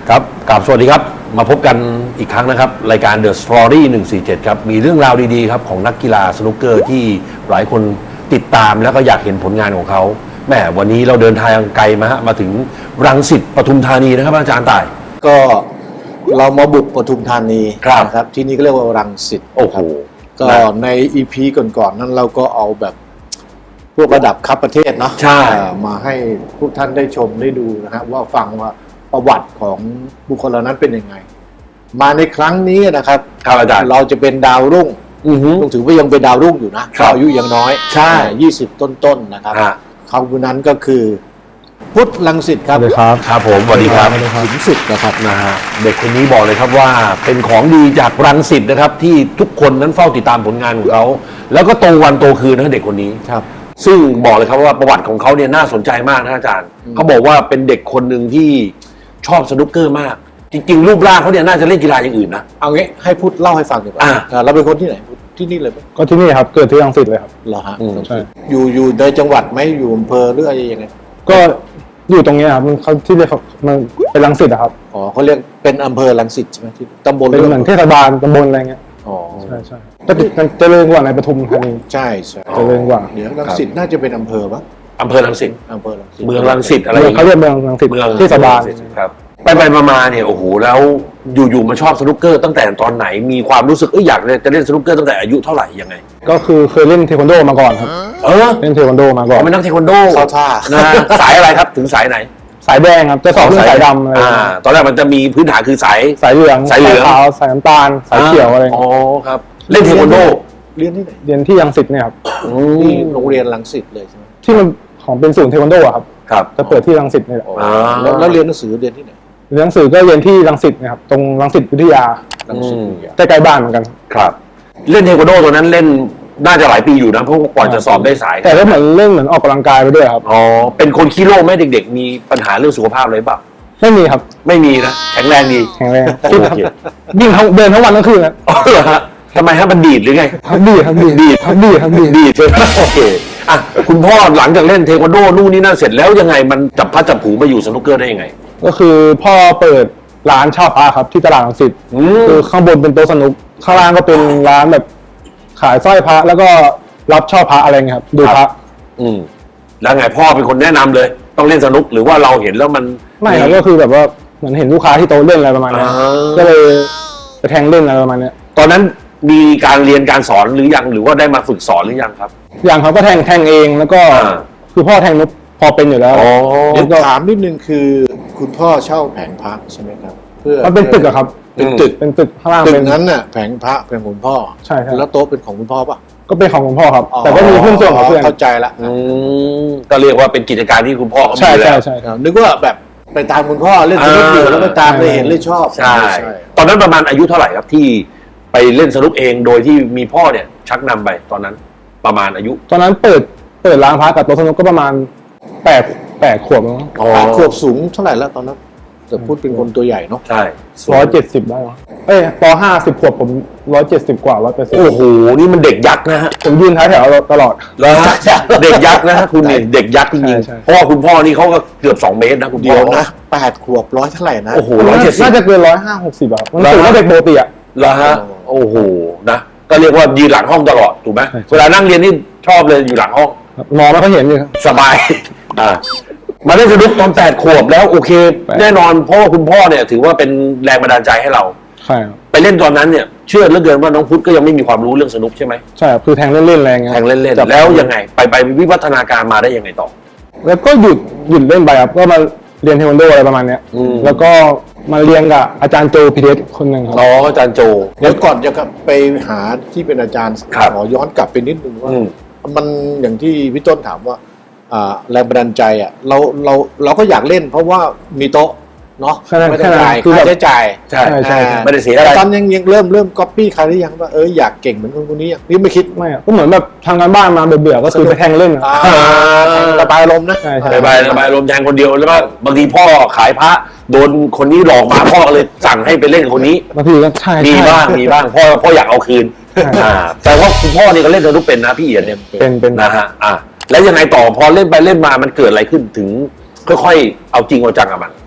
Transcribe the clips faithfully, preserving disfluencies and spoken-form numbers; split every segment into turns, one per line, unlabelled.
ครับกราบสวัสดีครับมาพบกันอีกครั้งนะครับรายการ The Story หนึ่งสี่เจ็ดครับมีเรื่องราวดีๆครับของนักกีฬาสนุกเกอร์ที่หลายคนติดตามแล้วก็อยากเห็นผลงานของเขาแหมวันนี้เราเดินทางไกลมาฮะมาถึงรังสิตปทุมธานีนะครับอาจารย์ต่าย
ก็เรามาบุกปทุมธานี
ครับ
นะครับที่นี่ก็เรียกว่ารังสิต
โอ้โห
ก็ใน อี พี ก่อนๆนั้นเราก็เอาแบบพวกระดับคัพประเทศเนาะ
ใช่
มาให้พวกท่านได้ชมได้ดูนะฮะว่าฟังว่าประวัติของบุคคลเหล่านั้นเป็นยังไง มาในครั้งนี้นะครับ
ครับอาจารย์
เราจะเป็นดาวรุ่ง
อือฮึ
ต้องถือว่ายังเป็นดาวรุ่งอยู่นะครับ อายุยังน้อย
ใช่
ยี่สิบต้นๆนะครับ
ฮะ
เขาคนนั้นก็คือพุทธรังสิตครับ
สวัสดีครับ
ครับผมสวัสดีครับ
ถึงสุดนะครับ
นะฮะเด็กคนนี้บอกเลยครับว่าเป็นของดีจากรังสิตนะครับที่ทุกคนนั้นเฝ้าติดตามผลงานของเขาแล้วก็โตวันโตคืนนะเด็กคนนี้
ครับ
ซึ่งบอกเลยครับว่าประวัติของเขาเนี่ยน่าสนใจมากนะอาจารย์เขาบอกว่าเป็นเด็กคนหนึ่งที่ชอบสนุกเกอร์มาก จริงๆ รูปร่างเขาเนี่ยน่าจะเล่นกีฬาอย่างอื่นนะ
เอางี้ให้พุทธเล่าให้ฟังดีกว่า
อ่า
อ่าเราเป็นคนที่ไหนพุทธที่นี่เลยไหม
ก็ที่นี่ครับเกิดที่รังสิตเลยครับ
เหรอฮะ
อืม
ใช่
อยู่อยู่ในจังหวัดไหมอยู่อำเภอหรืออะไรยังไง
ก็อยู่ตรงเนี้ยครับมันเขาที่เรียกเขามันเป็นรังสิตอะครับ
อ๋อเขาเรียกเป็นอำเภอรังสิตใช่ไหมที่ตำบล
เป็นเหมือนเทศบาลตำบลอะไรเงี้ย
อ๋อ
ใช่ใช่ก็ติดกันเจริญกว่าในปทุมธานี
ใช่ใช่
เจริญกว่า
เดี๋ยวรังสิตน่าจะเป็นอำเภอปะ
อำเภอรังสิต
อำเภอรังสิต
เมืองรังสิตอะไรอ
เมือง
ย่าง
เขา
เงี้ย
เรียกเมืองรังสิต
เมือง
เทศบาล
ครับไปไปๆมาๆเนี่ยโอ้โหแล้วอยู่ๆมาชอบสนุกเกอร์ตั้งแต่ตอนไหนมีความรู้สึกเอ้ยอยากจะเล่นสนุกเกอร์ตั้งแต่อายุเท่าไหร่ยังไง
ก็คือเคยเล่นเทควันโดมาก่อนครับ
เออ
เล่นเทควันโดมาก่อน
เป็นนักเทควันโด
เข้าท่า
นะฮะสายอะไรครับถึงสายไหน
สายแดงครับจะสอบเรื่องสายดำอะไร
อ่า
เงี้ย
ตอนแรกมันจะมีพื้นฐานคือสาย
สายเหลือง
สายเหลือง
ขาวสายน้ำตาลสายเขียวอะไร
อ๋อ
เงี้ย
ครับเล่นเทควันโด
เรียนที่ไหน
เรียนที่รังสิตเนี่ยครับ
อื
ที่
ม
โรงเรียนรังสิตเลยใช่ไหม
ที่มันของเป็นศูนย์เทควันโดอะครับ
ครับ
จะเปิดที่รังสิตนี่แหละ
อ่า
แล้วแล้วเรียนหนังสือเรียนที่ไหน
เรียนหนังสือก็เรียนที่รังสิตนะครับตรงรังสิตวิทยา
รังสิต
อืม
วิทยา
ใกล้ๆบ้านเหมือนกัน
ครับ เล่นเทควันโดตัวนั้นเล่นน่าจะหลายปีอยู่นะเพราะกว่าจะสอบได้สาย
แต่ก็เหมือนเล่นเหมือนออกกำลังกายไปด้วยครับ
อ๋อเป็นคนขี้โรคไหมเด็กๆ มีปัญหาเรื่องสุขภาพอะไรเปล่า
ไม่มีครับ
ไม่มีนะแข็งแรงดี
แข็งแรง
โอ
ฟิตครับ
เค
ยิ่งทั้งเดินทั้งวันทั้งคืนนะ
อ๋อเหรอฮะทำไมฮะมันดีดหรือไง
ครับดีครับดี
ดีด
ครับดีครับดี
ดีดใช่ไหมโอเคอ่ะคุณพ่อหลังจากเล่นเทควันโดนู่นนี่นั่นเสร็จแล้วยังไงมันจับพัดจับผูมาอยู่สนุกเกอร์ได้ยังไง
ก็คือพ่อเปิดร้านเช่าพระครับที่ตลาดรังสิต
อืม
คือข้างบนเป็นโต๊ะสนุกข้างล่างก็เป็นร้านแบบขายสร้อยพระแล้วก็รับเช่าพระอะไรเงี้ยครับดูพระ
อืมแล้วไงพ่อเป็นคนแนะนำเลย ต้องเล่นสนุกหรือว่าเราเห็นแล้วมัน
ไม่ครับก็คือแบบว่าเหมือนเห็นลูกค้าที่โต๊ะเล่นอะไรประมาณเนี้ย
อ่า
ก็เลยไปแทงเล่นอะไรประมาณเนี้ย
ตอนนั้นมีการเรียนการสอนหรือยังหรือว่าได้มาฝึกสอนหรือยังครับ
อย่างเขาก็แทงแทงเองแล้วก็
อ่า
คือพ่อแทงนุกพอเป็นอยู่แล้ว
อ๋อ
เดี๋ยวถามนิดนึงคือคุณพ่อเช่าแผงพระใช่ไหมครับ เพื่อ
มันเป็นตึกอะครับ
เป็นตึก
เป็นตึกข้างล่าง
ตึ
เป็
ก
น
นั้นน่ะแผงพระเป็นของคุณพ่อ
ใช่ใช่
แล้วโต๊ะเป็นของคุณพ่อป่ะ
ก็เป็นของคุณพ่อครับ แต่ก็มีเพื่อนส่วนของเพื่อน
เข้าใจละ
อืมก็เรียกว่าเป็นกิจการที่คุณพ่อเขา
ใช่
มีแล้
ใช่
ว
ใช่
อ่านึกว่าแบบไปตามคุณพ่อเล่นสนุกอยู่
อ่า
แล้วไปตามไปเห็นเลยชอบ
ใช่ตอนนั้นประมาณอายุเท่าไหร่ครับที่ไปเล่นสนุกเองโดยที่มีพ่อเนี่ยชักนำไปตอนนั้นประมาณอายุ
ตอนนั้นเปิดเปิดร้านพระกับโต๊ะสนุกก็ประมาณแปดแปดขวบมั้ง
อ๋อ
แปดขวบสูงเท่าไหร่แล้วตอนนั้นแต่พูดเป็นคนตัวใหญ่เนาะ
ใช่
ร้อยเจ็ดสิบได้มั้งเอ้ยปห้าสิบขวบผมร้อยเจ็ดสิบกว่าร้อยแปดสิบ
โอ้โหนี่มันเด็กยักษ์นะฮะ
ผมยืนท้ายแถวตลอด
แล้วฮะเด็กยักษ์นะฮะคุณนี่เด็กยักษ์จริง
ใช่ใช่
ๆเพราะว่าคุณพ่อนี่เขาก็เกือบสองเมตรนะคุณพ่
เดี๋
อ
ยวนะแปดขวบร้อยเท่าไหร่นะ
โอ้โหร้อยเจ็ดสิบ
น่าจะเกินร้อยห้าหกสิบอะครับมัน
แล้ว
สูงกว่าเด็กปกติอะ
แล้วฮะโอ้โหนะก็เรียกว่ายืนหลังห้องตลอดถูกไหม
ใช่
เวลานั่งเรียนนี่ชอบเลยอยู่หลังห้อง
ครับมองไม่ค่อยเห็นเลยครับ
สบาย อ่า มาเล่นสนุกตอนแปดขวบแล้วโอเค
แปด
แน่นอนเพราะว่าคุณพ่อเนี่ยถือว่าเป็นแรงบันดาลใจให้เรา
ใช่ครับ
ไปเล่นตอนนั้นเนี่ยเชื่อเหลือเกินว่าน้องพุทธก็ยังไม่มีความรู้เรื่องสนุกใช่ไหม
ใช่ครับคือแทงเล่นๆแรงเงี้ย
แทงเล่น
จับ
ๆแล้วยังไง ไปไปวิวัฒนาการมาได้ยังไงต่อ
แล้วก็หยุดหยุดเล่นไปครับก็มาเรียนเทควันโดอะไรประมาณเนี้ย
อืม
แล้วก็มาเรียนกับอาจารย์โจพีเดสคนหนึ่งครับ
อ๋ออาจารย์โจ
เดี๋ยวก่อนจะไปหาที่เป็นอาจารย์
ครับ
ขอย้อนกลับไปนิดนึงว่า
อืม
มันอย่างที่พี่ต้นถามว่าอ่าแรงบันดาลใจอ่ะเราเราเราก็อยากเล่น เพราะว่ามีโต๊ะเนาะ
แค่นั้น
ไม่
แค่
ต้อง
นั้น
จ่าย
คือแบ
ค่า
บ
ใช้จ่าย
ใช่
ใช่ใช่
อ่า
ไม่ได้เสียอะไร
ตอนยังยังเริ่มเริ่มก๊อปปี้ใครหรือยังว่าเอออยากเก่งเหมือนคนคนนี้ยังนี่ไม่คิด
ไม่อะก็เหมือนแบบทำงานบ้านมาเบื่อๆก็คือไปแทงเล่นอะ
อ่าระบายอารมณ์นะ
ใช่ใช่
ระบายระบายลมณ์แทนคนเดียวแล้วก็บางทีพ่อขายพระโดนคนนี้หลอกมาพ่อก็เลยสั่งให้ไปเล่นกับคนนี้
บางทีก็ใช่
มี
ใช่
บ้างมีบ้างพ่อพ่ออยากเอาคืน
ใช่
อ่าแต่ว่าคุณพ่อนี่ก็เล่นสนุกเป็นนะพี่เอียดเนี่ย
เป็นเป็น
นะฮะอ่ะแล้วยังไงต่อพอเล่นไปเล่นมามันเกิดอะไรขึ้นถึงค่อยๆเอาจริงเอาจังกับมัน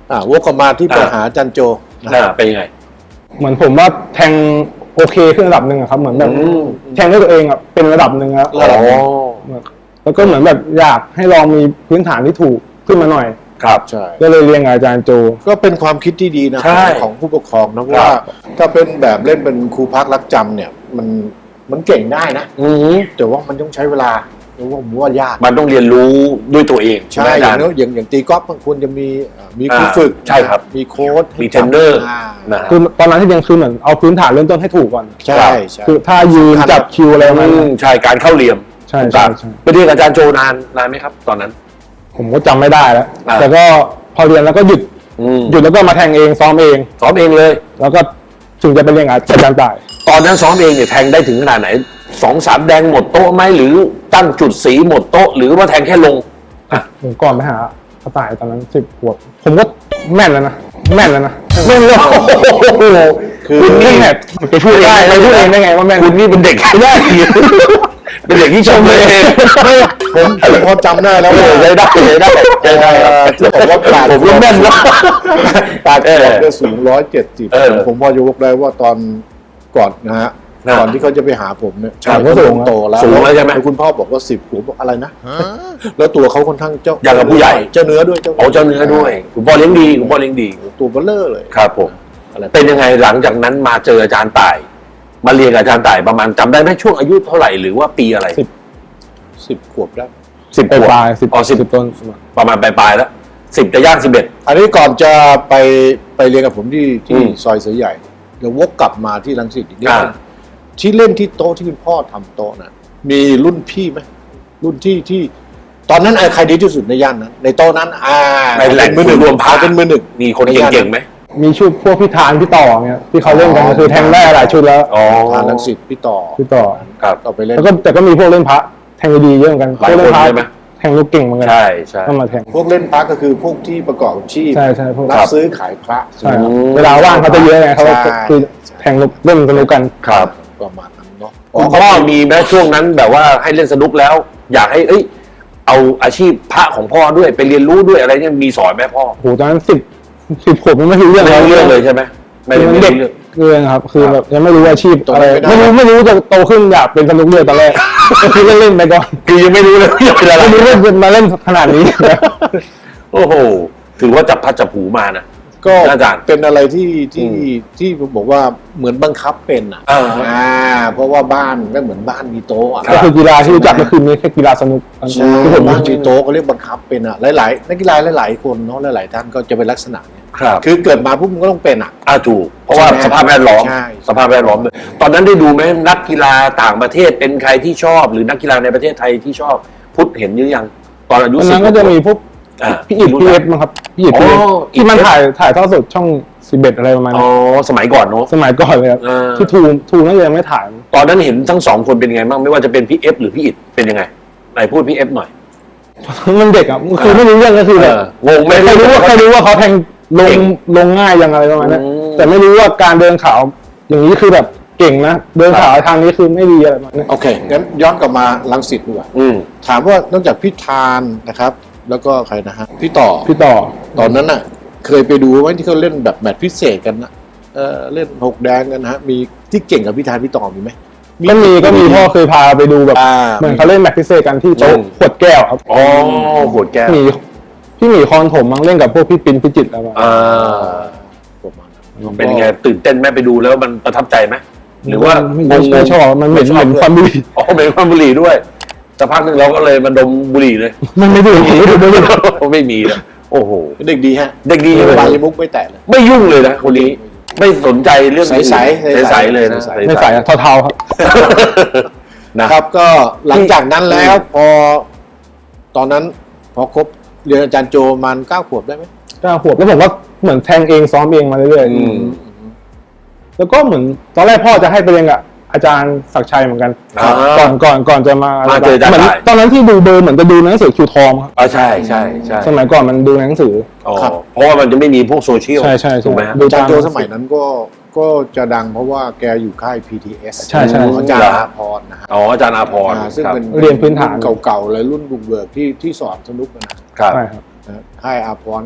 อ่าวกกลับมาที่ปัญหาจันโจนะ
อ่าเป็นยังไง
เหมือนผมว่าแทงโอเคขึ้นระดับหนึ่งอะครับเหมือนแบบ
อืม
แทงด้วยตัวเองอะเป็นระดับหนึ่งครับ
ระดับหนึ่ง
แล้วก็เหมือนแบบอยากให้ลองมีพื้นฐานที่ถูกขึ้นมาหน่อย
ครับ
ใช่
ก็เลยเรียนกับอาจารย์โจ
ก็เป็นความคิดที่ดีนะ
ใช่
ของผู้ปกครองนะ
ครั
ว่า
บ
ถ้าเป็นแบบเล่นเป็นครูพักรักจำเนี่ยมันมันเก่งได้นะ
อืม
แต่ว่ามันต้องใช้เวลาเพราะว่าผมว่ายาก
มันต้องเรียนรู้ด้วยตัวเอง
ใช่
ไหมอา
อ
จา
ย่าง
รย์
นั้นอย่างอย่างตีกอล์ฟบางคนจะมีเอ่อมีครู
อ่า
ฝึก
ใช่ครับ
มีโค้ชให้
มีเทรนเนอร์
า
นะฮะ
คือตอนนั้นที่เรียนคือเหมือนเอาพื้นฐานเริ่มต้นให้ถูกก่อน
ใช่ใช่
คือถ้ายืน
สำคัญ
จับคิวอะไรประมาณ
อื
นั้
ม
น
ใช่การเข้าเหลี่ยม
ใช่
ถูก
ใช่
ปะ
ใช่
ไปเรียนกับอาจารย์โจนานนานไหมครับ ตอนนั้น
ผมก็จำไม่ได้แล้ว
อ่า
แต่ก็พอเรียนแล้วก็หยุด
อืม
หยุดแล้วก็มาแทงเองซ้อมเอง
ซ้อมเองเลย
แล้วก็ถึงจะไปเรียนกับอาจารย์ต่าย
ตอนนั้นซ้อมเองเนี่ยแทงได้ถึงขนาดไหนสองสามแดงหมดโต๊ะไหมหรือตั้งจุดสีหมดโต๊ะหรือว่าแทงแค่ลงอ่ะ
ผมก่อนไปหาอาต่ายตอนนั้นสิบขวบผมก็แม่นแล้วนะแม่นแล้วนะแม่นเลยโอ้โห
คือ
คุณนี่แบบไปพูดได้ไปพูดเองได้ไงว่าแม่น
คุณนี่เป็นเด็กได้ เป็นเด็กที่ชมเลย
ผมผมพอจำได้แล้ว
เอ
ว่า
อได้ได้ได้ได้ได้ครับ
ที่บอกว่าปราด
ผมก็แม่นแล้ว
ปราด
เออ
ได้สูงร้อยเจ็ดสิบ
เออ
ผมพอยกได้ว่าตอนก่อนนะฮะ
อ่า
ก่อนที่เขาจะไปหาผมเนี่ย
ครับ
เขาสูงโตแล้ว
สูงแล้วใช่ไหม
คุณพ่อบอกว่าสิบผมบอกอะไรนะแล้วตัวเขาค่อนข้างเจ้า
อย่างกับผู้ใหญ่
เจ้าเนื้อด้วย
โอ้เจ้าเนื้อด้วยคุณพ่อเลี้ยงดีคุณพ่อเลี้ยงดี
ตัวเบลเลอร์เลย
ครับผม
อะไร
เป็นยังไงหลังจากนั้นมาเจออาจารย์ต่าย มาเรียนกับอาจารย์ต่ายประมาณจำได้ไหมช่วงอายุเท่าไหร่หรือว่าปีอะไร
สิบ
สิบขวบแล้ว
สิบ
ป
ขวบ
ลายๆสิบ
อ๋อสิบ
สิบต้น
ประมาณปลายๆแล้วสิบจะย่างสิบเอ็ด
อันนี้ก่อนจะไปไปเรียนกับผมที่
อื
ที่
ม
ซอยเสือใหญ่เดี๋ยววกกลับมาที่รังสิตอีกนิด
อ่า
นึงที่เล่นที่โต๊ะที่คุณพ่อทำโต๊ะน่ะมีรุ่นพี่ไหมรุ่นที่ที่ ตอนนั้นใครดีที่สุดในย่านนั้นในโต๊ะนั้น อ่า
ในแหล่ง
เป็นมือหนึ่ง
รวมพระ
เป็นมือหนึ่ง
มีคนเก่งๆไหม
มีชุดพวกพี่ทานพี่ต่อเนี่ยที่เขาเล่นกันก็คือแทงได้หลายชุดแล้ว
อ๋อ
ทางรังสิตพี่ต่อ
พี่ต่อ
ครับ
ก็ไปเล่น
แล้วก็แต่ก็มีพวกเล่นพระแทงดีๆเยอะเหมือนกัน
หลาย
พวกเล่นพระ
คนใช่ไหม
แทงลูกเก่งเหมือนกัน
ใช่ใช่
ก็มาแทง
พวกเล่นพระก็คือพวกที่ประกอบอาชีพ
ใช่ใช่พวก
รับซื้อขายพระ
ใช่ครับ
อืม
เวลาว่างเขาจะเยอะไงเขาก็
ใช่
คือแทงลูกเล่นสนุกกัน
ครับ
ประมาณนั้นเนาะ
คุณพ่อมีแม้ช่วงนั้นแบบว่าให้เล่นสนุกแล้ว อยากให้เอ้ยเอาอาชีพพระของพ่อด้วยไปเรียนรู้ด้วยอะไรเนี่ยมีสอนไหมพ่อ
โหตอนนั้นสิบสิบขวบมันไม่รู้เรื่อง
ไม่รู้เรื่องเลยใช่ไหมไม่
คือ
รู้
มัน
เรื่
เด็
อก ง
เกินครับ คือแบบยังไม่รู้อาชีพอะไรไม่รู้ไม่รู้จะโตขึ้นอยากเป็นสนุกเรือตอนแรกก็คือเล่นๆไปก่อน
คือยังไม่รู้เลยว่าจะเป็นอะไร
ไม่รู้ว่าจะมาเล่นขนาดนี้
โอ้โหถือว่าจับพัดจับผูมานะ
ก็
อาจารย์
เป็นอะไรที่ที่
อืม
ที่ผมบอกว่าเหมือนบังคับเป็นอ่ะ
อ่า
อ่าเพราะว่าบ้านก็เหมือนบ้านมีโต๊ะอ่ะ
ก็คือกีฬาที่รู้จักก็คือมีแค่กีฬาสนุก
ใช่
ที่ผม
บ้านมีโต๊ะก็เรียกบังคับเป็นอ่ะหลายๆนักกีฬาหลายๆคนเนาะหลายๆท่านก็จะเป็นลักษณะเนี้ย
ครับ
คือเกิดมาปุ๊บมันก็ต้องเป็นอ่ะ
อ่าถูกเพราะว่า
ใช่ไหม
สภาพแวดล้อม
ใช่
สภาพแวดล้อมด้วยตอนนั้นได้ดูไหมนักกีฬาต่างประเทศเป็นใครที่ชอบ หรือนักกีฬาในประเทศไทยที่ชอบพุทธเห็นหรือยังตอนอายุ
วัน
สิบ
นั้นก็จะมีพวก
อ่า
พี่อิดพี่เอสมั้งครับพี่อิดพี่เอส
อ๋อ
ที่มัน
อิด
ถ่ายถ่ายทอดสดช่องสิบเอ็ดอะไรประมาณ
อ๋อ
นี้
สมัยก่อนเนอะ
สมัยก่อนเลยครับ
อ่า
ที่ทูทูน่าจะยังไม่ถ่าย
ตอนนั้นเห็นทั้งสองคนเป็นยังไงบ้างไม่ว่าจะเป็นพี่เอฟหรือพี่อิดเป็นยังไงไหนพูดพี่เอฟหน่อย
มันเด็กอ่ะคือไม่รู้เรื่องก็คือแบบ
เอองงไหม
ใครรู้ว่าใครรู้ว่าเขาแทงล
เก่
ง
ง
ลงง่ายยังอะไรประมาณนั้น
อืม
แต่ไม่รู้ว่าการเดินขาวอย่างนี้คือแบบเก่งนะเดินขาวทางนี้คือไม่ดีอะไรประมาณนั้น
โอเคงั้นย้อนกลับมาลังสิตดีกว่า
อืม
ถามว่านอกจากพี่ทานนะครับ แล้วก็ใครนะฮะพี่ต่อ
พี่ต่อ
ตอนนั้นน่ะ เคยไปดูไหมที่เขาเล่นแบบแมตช์พิเศษกันนะเออเล่นหกแดงกันนะฮะมีที่เก่งกับพี่ทานพี่ต่อมีไหม
ก็มีก็มีพ่อเคยพาไปดูแบบ
อ่า
เหมือนเขาเล่นแมตช์พิเศษกันที่โต๊ะ
อืม
ขวดแก้วครับ
อ๋อโหดแก้ว
มีพี่หมีคอนถมมั้งเล่นกับพวกพี่ปินพี่จิตรอะไรประมาณนั้น
อ่า
ประมาณนั้น
เป็นไงตื่นเต้นไหมไปดูแล้วมันประทับใจไหมหรือว่า
ไม่
งง
ไม่ชอบมันเหม็น
ไช
เหม็นควันบุหรี่
อ๋อเหม็นควันบุหรี่ด้วยสักพักหนึ่งเราก็เลยมาดมบุหรี่เลย
มันไม่ดูไม่ดูไม่ดู
ไม่มีเลยโอ้โห
เด็กดีฮะ
เด็กดีเลย
บายมุกไม่แตะเลย
ไม่ยุ่งเลยนะคนนี้ ไม่สนใจเรื่อง
ใสๆ
ใสๆเลยนะ
ใส
ไม่ใส่อะเทาๆครับ
นะครับก็หลังจากนั้นแล้วพอ ตอนนั้นพอครบเรียนอาจารย์โจประมันเก้าขวบได้ไหม
เก้าขวบแล้วผมก็เหมือนแทงเองซ้อมเองมาเรื่อย
อืม
ๆแล้วก็เหมือนตอนแรกพ่อจะให้ไปเรียนกับอาจารย์ศักดิ์ชัยเหมือนกัน
อ่า
ก่อนก่อนก่อนจะมา
มาเจออาจารย์
เหมือน
ได้
ตอนนั้นที่ดูเบอร์เหมือนจะดูหนังสือคิวทอมครับ
อ่าใช่ใช่ใช่
สมัยก่อนมันดูหนังสือ
อ๋อเพราะว่ามันจะไม่มีพวกโซเชียล
ใช่ใช่ใช่
ถูกไหมฮะ
ดู
อาจารย์โจสมัยนั้นก็ก็จะดังเพราะว่าแกอยู่ค่าย พี ที เอส
ใช่ใช่
ของอาจารย์อาพรนะฮะ
อ๋ออาจารย์อาพร
อ่าซึ่ง
ครับ
เป็น
เรียนพื้นฐาน
เก่าๆเลยรุ่นบุกเบิกที่ที่สอนสนุกนะ
ครับ
ใช่ครับ
นะค่ายอาพรนะ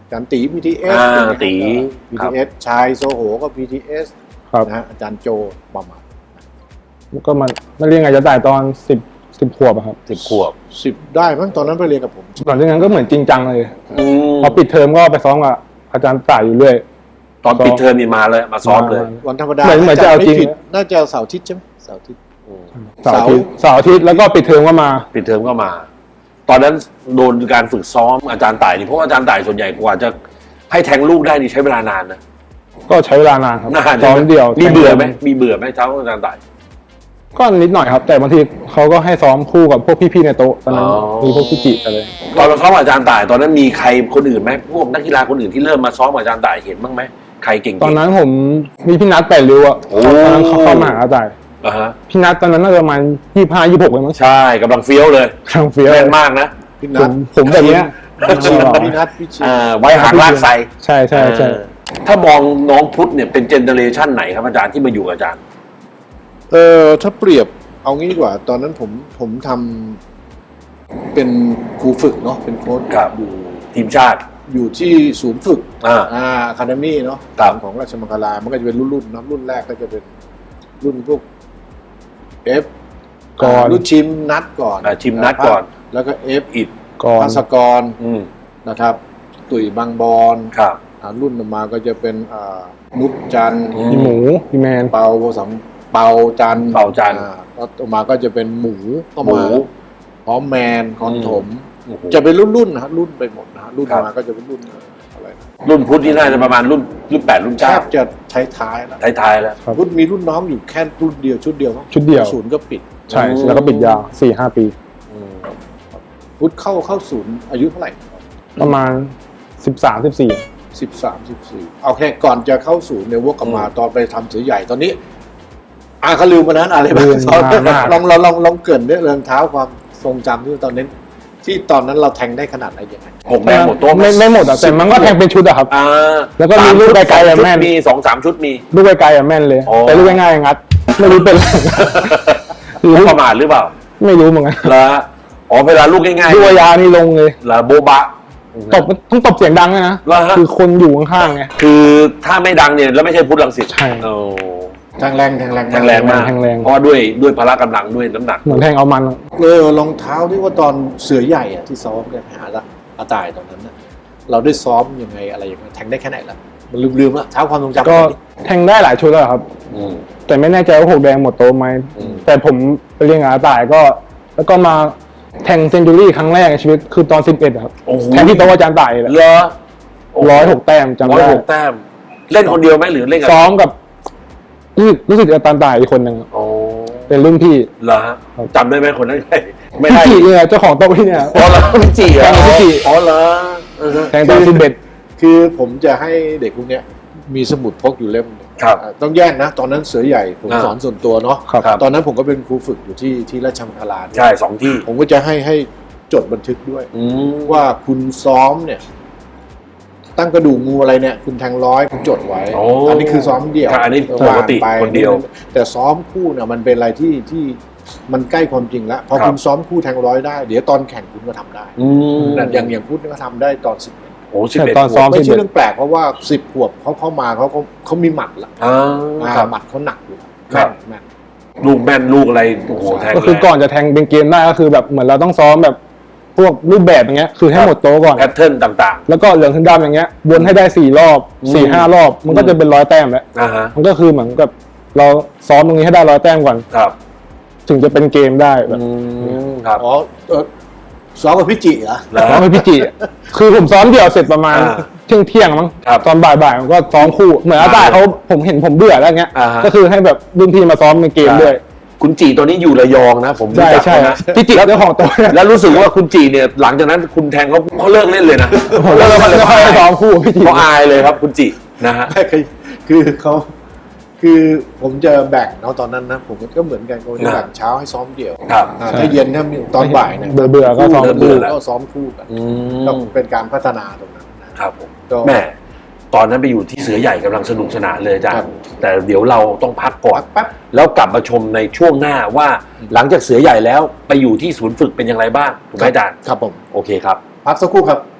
อาจารย์ตี พี ที เอส
อ่าตี
พี
ครั
ที
บ
เอส ชายโซโหก็ พี ที เอส
ครับ
นะฮะอาจารย์โจประมาณ
ก็มันมาเรียนอาจจะจ่ายตอนสิบสิบขวบอะครับ
สิบขวบ
สิบได้มั้งตอนนั้นไปเรียนกับผม
หลังจากนั้นก็เหมือนจริงจังเลย
อืม
พอปิดเทอมก็ไปซ้อมกับอาจารย์ต่ายอยู่เรื่อย
ตอนปิดเทอมนี่มาเลยมาซ้อมเลย
วันธรรมดา
เหมือนเหมือนจะเอาจริง
ไม่ผิดน่าจะเสาร์อาทิตย์ใช่ไหมเสาร์อาทิตย์
เสาร์อาทิตย์เสาร์อาทิตย์แล้วก็ปิดเทอมก็มา
ปิดเทอมก็มา ตอนนั้นโดนการฝึกซ้อมอาจารย์ต่ายนี่เพราะว่าอาจารย์ต่ายส่วนใหญ่กว่าจะให้แทงลูกได้นี่ใช้เวลานานนะ
ก็ใช้เวลานานครับ
นาน
ซ้อมเดียว
มีเบื่อไหมมีเบื่อไหมเช้าอาจารย์ต่าย
ก็นิดหน่อยครับ แต่บางทีเขาก็ให้ซ้อมคู่กับพวกพี่ๆในโต๊ะตอนนั้น
อ๋อ
มีพวกพี่จิอะไร
ตอนเราซ้อมกับอาจารย์ต่าย ตอนนั้นมีใครคนอื่นไหมพวกนักกีฬาคนอื่นที่เริ่มมาซ้อมกับอาจารย์ต่ายเห็นบ้างไหมใครเก่งๆ
ตอนนั้นผมมีพี่นัทแปดริ้วอ่ะ
โอ้
ตอนนั้นเขาเข้ามาหาอาจารย์
อ่าฮะ
พี่นัทตอนนั้นน่าจะประมาณยี่ห้ายี่หกเลยมั้ง
ใช่กำลังเฟี้ยวเลย
ทางเฟี้ยว
แม่นมากนะ
พี่
ผ
นัท
มผมแบบเนี้ย
พี่ชินพี่นัทพี่ชิน
อ่าไว้หางลากไซ
ใช่ใช่ใช่
เออถ้ามองน้องพุทธเนี่ยเป็นเจเนอเรชันไหนครับอาจารย์ที่มาอยู่กับอาจารย์
เออถ้าเปรียบเอางี้ดีกว่า ตอนนั้นผมผมทำเป็นครูฝึกเนาะเป็นโค้ช
ครับ
อยู่
ทีมชาติ
อยู่ที่ศูนย์ฝึก
อ่า
อ่าอะคาเดมี่เนาะ
ครับ
ของราชมังคลา มันก็จะเป็นรุ่นรุ่นๆเนาะรุ่นแรกก็จะเป็นรุ่นพวกเอฟ
ก่อน
รุ่นชิมนัดก่อน
อ่าชิมนัดก่อน
แล้วก็เอฟ
อิด
ก่อน
ภาสกร
อืม
นะครับ ตุ๋ยบางบอน
ครับ
อ่ารุ่นต่อมาก็จะเป็นอ่านุชจันทร์
อื
พี่หมูพี่แมน
เปาโบสัมเปาจันทร์
เปาจันทร์
อ่แล้วต่อมาก็จะเป็นหมูก็
หมู
มาพร้อมแมนคอนถม
โอ้โห
จะเป็นรุ่นรุ่นๆนะฮะรุ่นไปหมดนะฮะรุ่น
ครับ
มาก็จะเป็นรุ่นเอ่ออะไรนะ
รุ่นพุทธนี่น่าจะประมาณรุ่นรุ่นแปดรุ่น
แท
เก้า
บจะท้ายๆแล้ว
ท้ายๆแล้ว
ครับ
รุ่นมีรุ่นน้องอยู่แค่รุ่นเดียวชุดเดียวมั้ง
ชุดเดียว
ศูนย์ก็ปิด
ใช่แล้วก็ปิดยาวสี่ห้าปี
อืม
พุทธเข้าเข้าศูนย์อายุเท่าไหร่
ประมาณสิบสามสิบสี่
สิบสามสิบสี่เอาแค่ก่อนจะเข้าศูนย์เนี่ยวกกลับมาตอนไปทำเสือใหญ่ตอนนี้อ่าเขาลืมมานั้นอะไรบ้าง
ลืม
ตอน
นานมาก
ลองลองลองลองเกรินด้วยเรื่องเท้าความทรงจำที่ตอนนั้นที่ตอนนั้นเราแทงได้ขนาดไหนยังไง
หกแดงหมดโต๊ะ
ไม่ไม่หมดอะแต่มันก็แทงเป็นชุดอะครับ
อ่า
แล้วก็มีลูกไกลๆอะแม่น
มีสองสามชุดมี
ลูกไกลๆอะแม่นเลย
อ๋อ
แต่ลูกง่ายๆงัด ไม่รู้เป็นไร
ลูกประมาทหรือเปล่า
ไม่รู้เหมือนกัน
แล้วอ๋อเวลาลูกง่าย
ลูกยานี่ลงเลย
ๆแล้วโบบะ
ตบต้องตบเสียงดังเลยนะ
เหรอฮะ
คือคนอยู่ข้างๆไง
คือถ้าไม่ดังเนี่ยแล้วไม่ใช่พุทธลังสิต
ใช่
โอ้
แทงแรงแทงแรง
แทงแรงมาก
แทงแรง
เพราะว่าด้วยด้วยพละกำลังด้วยน้ำหนัก
เหมือนแทงเอามันอะ
เออรองเท้าที่ว่าตอนเสือใหญ่อะที่ซ้อมกันหาละอาตายตอนนั้นนะเราได้ซ้อมยังไงอะไรยังไงแทงได้แค่ไหนละมันลืมลืมๆละเท้าความทรงจำ
ก็
ตอนนี้
แทงได้หลายชุดแล้วครับ
อืม
แต่ไม่แน่ใจว่าหกแดงหมดโตะไหม
อืม
แต่ผมไปเรียนกับอาต่ายก็ แล้วก็มาแทงเซนจูรี่ครั้งแรกในชีวิตคือตอนสิบเอ็ดครับ
โอ้โห
แทงที่โต๊ะอาจารย์ต่ายแหละ
เหรอ
ร้อยหกแต้มจำ
ร้อย
ได้
หกแต้ม เล่นคนเดียวไหมหรือเล่นกับ
ซ้อมกับรู้สึกรู้สึกอาจารย์ต่ายอีกคนหนึ่ง
โอ้
เป็นรุ่นพี่
เหรอฮะจำได้ไหมคนนั้นใครไม่
พี่
ได้
จิเนี่ยเจ้าของโต๊ะที่เนี่ย
อ๋อเหรอพี่จีเหรอ
แทงกับพี่จิ
อ๋อเหรอเออ
แทงตอนสิบเอ็ด
คือผมจะให้เด็กพวกเนี้ยมีสมุดพกอยู่เล่มหนึ่ง
ครับ
อ่าต้องแยกนะ ตอนนั้นเสือใหญ่ผม
อ่า
สอนส่วนตัวเนาะ
ครับ
ครับ
ตอนนั้นผมก็เป็นครูฝึกอยู่ที่ที่ราชมังคลาด้วย
ใช่สองที่
ผมก็จะให้ให้จดบันทึกด้วย
อืม
ว่าคุณซ้อมเนี่ย ตั้งกระดูกงูอะไรเนี่ย คุณแทงร้อยคุณจดไว้
โอ้
อันนี้คือซ้อมเดี่ยว
ครับอันนี้ปกติ
ว่างไป
คนเดียว
แต่ซ้อมคู่เนี่ยมันเป็นอะไรที่ที่มันใกล้ความจริงแล้วพอ
ครับ
คุณซ้อมคู่แทงร้อยได้ เดี๋ยวตอนแข่งคุณก็ทำได้
อืม
นั่นอย่างอย่างพูดก็ทำได้ตอนสิบเอ็ด
โอ้สิบเอ็ด
ตอนซ้อม
ไม่ใช่เรื่องแปลกเพราะว่าสิบขวบเขาเข้ามาเขาเขาเขามีหมัดละ
อ่า
อ่า
ครับ
หมัดเขาหนักอยู่
ครับ
แม่น
ลูกแม่นลูกอะไรโอ้โหแทง
ก็คือ
แรง
ก่อนจะแทงเป็นเกมได้ก็คือแบบเหมือนเราต้องซ้อมแบบพวกรูปแบบอย่างเงี้ยคือให้หมดโต๊ะก่อน
แพทเทิร์นต่าง
แล้วก็เหลืองถึงดำอย่างเงี้ยวนให้ได้สี่รอบ
อืม
สี่ห้ารอบ มันก็จะเป็นร้อยแต้มแล้ว
ๆอ่าฮะ
มันก็คือเหมือนกับเราซ้อมตรงนี้ให้ได้ร้อยแต้มก่อน
ครับ
ถึงจะเป็นเกมได้แบบ
อืมครับ
อ๋อเออซ้อมกับพี่จิเหรอ
แล้ว
ซ้อมให้พี่จิคือผมซ้อมเดี่ยวเสร็จประมาณ
อ่า
เที่ยงเที่ยงๆมั้ง
ครับ
ตอนบ่ายๆผมก็ซ้อมคู่เหมือนอาตายเขาผมเห็นผมเบื่อแล้วเงี้ย
อ่าฮะ
ก็คือให้แบบรุ่นพี่มาซ้อมในเกมด้วย
คุณจีตัวนี้อยู่ระยองนะ ผมรู้
ใช่
จัก
ใช่
เขานะ
พี่จิเจ้าของโต๊ะเนี่ย
แล้วรู้สึกว่าคุณจีเนี่ยหลังจากนั้นคุณแทงเขาเขาเลิกเล่นเลยนะ
ผมก็เลยไม่ค่อยได้ซ้อมคู่พี่จิ
เขาอายเลยครับคุณจีนะฮะ
ไม่คือคือเขาคือผมจะแบ่งเนาะตอนนั้นนะผมก็เหมือนกันผมจะแบ่งเช้าให้ซ้อมเดี่ยว
ครับ
อ่าถ้าเย็นถ้ามีตอนบ่ายเนี่ย
เบื่อเบื่อๆก็ซ้อม
เบื่
คู่
อๆแล้ว
ก็ซ้อมคู่กัน
อื
ก็
ม
เป็นการพัฒนาตรงนั้นนะครับ
ผม
ก็
แม่ตอนนั้นไปอยู่ที่เสือใหญ่กำลังสนุกสนานเลยอาจาร
ครั
ย์
บ
แต่เดี๋ยวเราต้องพักก่อน
พักแป๊บ
แล้วกลับมาชมในช่วงหน้าว่าหลังจากเสือใหญ่แล้วไปอยู่ที่ศูนย์ฝึกเป็นอย่างไรบ้างถูกไหมอาจารย์
ครับผม
โอเคครับ
พักสักครู่ครับ